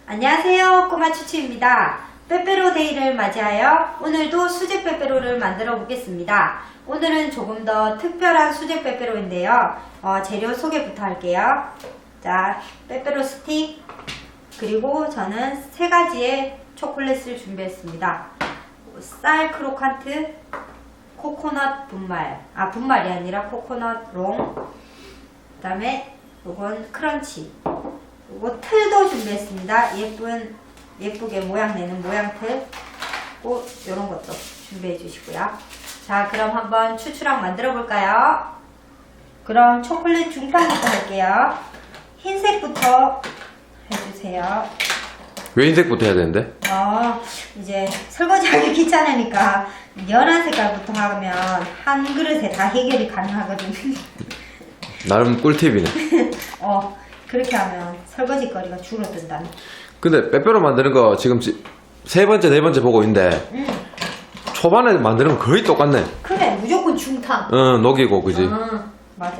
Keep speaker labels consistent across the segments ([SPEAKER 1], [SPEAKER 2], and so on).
[SPEAKER 1] 안녕하세요, 꼬마 추추입니다. 빼빼로 데이를 맞이하여 오늘도 수제 빼빼로를 만들어 보겠습니다. 오늘은 조금 더 특별한 수제 빼빼로인데요. 재료 소개부터 할게요. 자, 빼빼로 스틱, 그리고 저는 3가지의 초콜릿을 준비했습니다. 쌀 크로칸트, 코코넛 분말, 분말이 아니라 코코넛 롱, 그 다음에 요건 크런치, 요거 틀도 준비했습니다. 예쁘게 모양 내는 모양틀, 꼭 요런 것도 준비해 주시고요. 자, 그럼 한번 추추랑 만들어 볼까요? 그럼 초콜릿 중탕부터 할게요. 흰색부터 해주세요.
[SPEAKER 2] 왜 흰색부터 해야 되는데?
[SPEAKER 1] 이제 설거지하기 귀찮으니까 연한 색깔부터 하면 한 그릇에 다 해결이 가능하거든요.
[SPEAKER 2] 나름 꿀팁이네.
[SPEAKER 1] 그렇게 하면 설거지 거리가 줄어든다는.
[SPEAKER 2] 근데 빼빼로 만드는 거 지금 세 번째, 네 번째 보고 있는데 초반에 만드는 거 거의 똑같네.
[SPEAKER 1] 그래, 무조건 중탕.
[SPEAKER 2] 응, 녹이고, 그지?
[SPEAKER 1] 맞아.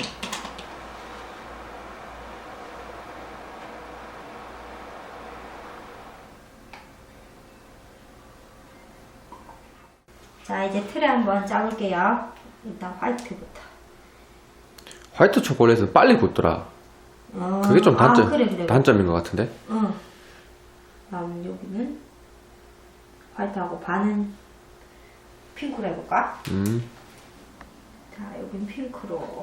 [SPEAKER 1] 자, 이제 틀에 한번 짜볼게요. 일단 화이트부터.
[SPEAKER 2] 화이트 초콜릿은 빨리 굳더라. 그게 좀 단점,
[SPEAKER 1] 그래.
[SPEAKER 2] 단점인 것 같은데?
[SPEAKER 1] 다음 여기는 화이트하고 반은 핑크로 해볼까? 자, 여긴 핑크로.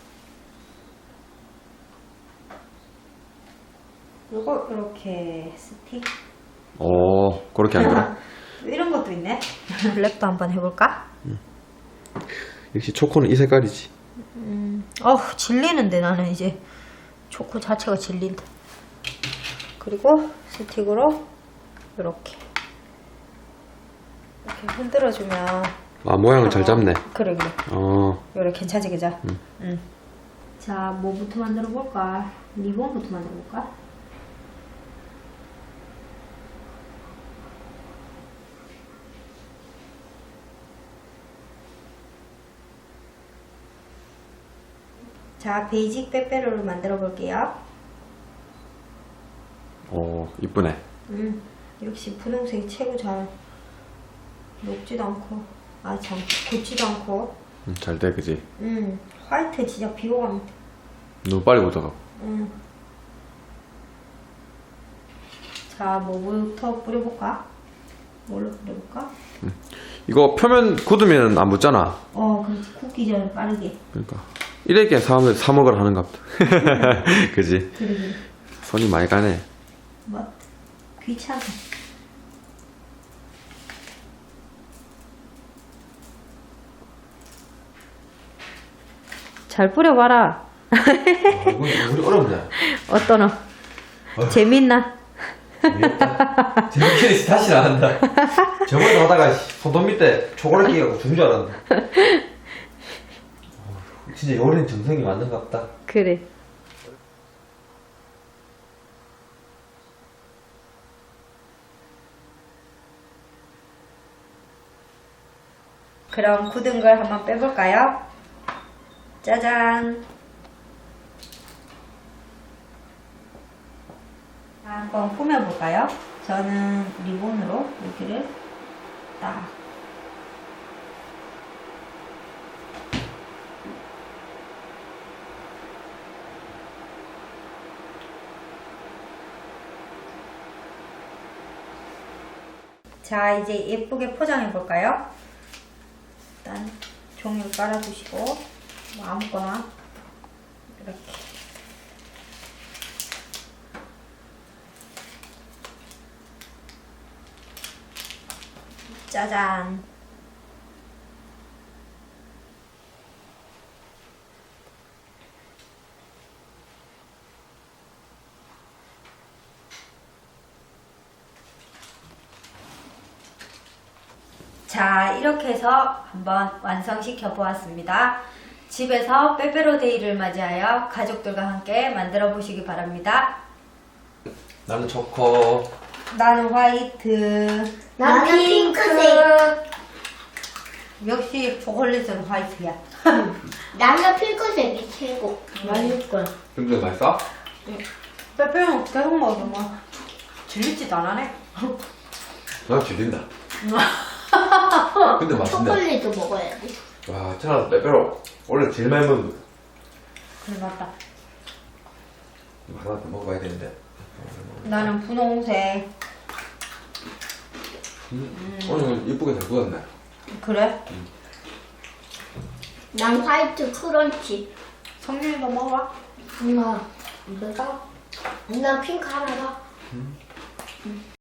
[SPEAKER 1] 요거 이렇게 스틱.
[SPEAKER 2] 그렇게 하는구나.
[SPEAKER 1] 이런 것도 있네. 랩도 한번 해볼까?
[SPEAKER 2] 역시 초코는 이 색깔이지.
[SPEAKER 1] 질리는데 나는 이제 초코 자체가 질린다. 그리고 스틱으로 이렇게 흔들어주면
[SPEAKER 2] 모양을 잘 잡네.
[SPEAKER 1] 그래. 이렇게 괜찮지, 그죠? 자, 뭐부터 만들어 볼까? 리본부터 만들어 볼까? 자, 베이직 빼빼로를 만들어 볼게요.
[SPEAKER 2] 이쁘네.
[SPEAKER 1] 역시 분홍색이 최고 잘 녹지도 않고, 굳지도 않고.
[SPEAKER 2] 잘 돼, 그지?
[SPEAKER 1] 화이트 진짜 비호감.
[SPEAKER 2] 너무 빨리 굳어가고.
[SPEAKER 1] 자, 뭐부터 뿌려볼까? 뭘로 뿌려볼까?
[SPEAKER 2] 이거 표면 굳으면 안 붙잖아.
[SPEAKER 1] 그렇지. 굳기 전에 빠르게.
[SPEAKER 2] 그러니까. 이렇게 사먹으러 하는가 보다. 그지?
[SPEAKER 1] 그래.
[SPEAKER 2] 손이 많이 가네.
[SPEAKER 1] 귀찮아. 잘 뿌려봐라.
[SPEAKER 2] 이건 우리 어렵네.
[SPEAKER 1] 어떠노? 재밌나?
[SPEAKER 2] 재밌게 다시 나간다. 저번에 하다가 손톱 밑에 초콜릿 끼갖고 죽은 줄 알았는데. 진짜 요리는 정성이 맞는 것 같다.
[SPEAKER 1] 그래. 그럼 굳은 걸 한번 빼볼까요? 짜잔. 한번 꾸며볼까요? 저는 리본으로 여기를 딱. 자, 이제 예쁘게 포장해 볼까요? 일단 종이를 깔아주시고, 아무거나 이렇게. 짜잔. 자, 이렇게 해서 한번 완성시켜 보았습니다. 집에서 빼빼로 데이를 맞이하여 가족들과 함께 만들어 보시기 바랍니다.
[SPEAKER 2] 나는 초코.
[SPEAKER 1] 나는 화이트.
[SPEAKER 3] 나는 핑크색.
[SPEAKER 1] 역시 초콜릿은 화이트야.
[SPEAKER 3] 나는 핑크색이 최고. 맛있고.
[SPEAKER 2] 핑크색 맛있어?
[SPEAKER 1] 빼빼로는 계속 먹어, 뭐. 질리지도 않아네.
[SPEAKER 2] 나 질린다. 근데 맛있네.
[SPEAKER 3] 초콜릿도 먹어야 돼.
[SPEAKER 2] 와, 천하 빼빼로 원래 제일 많이 먹는 거.
[SPEAKER 1] 그래 맞다.
[SPEAKER 2] 이거 하나 더 먹어봐야 되는데.
[SPEAKER 1] 나는 분홍색.
[SPEAKER 2] 오늘 이쁘게 잘 구웠네.
[SPEAKER 1] 그래?
[SPEAKER 3] 난 화이트 크런치.
[SPEAKER 1] 성준이도 먹어봐.
[SPEAKER 3] 엄마, 이거다? 나 핑크 하나 더.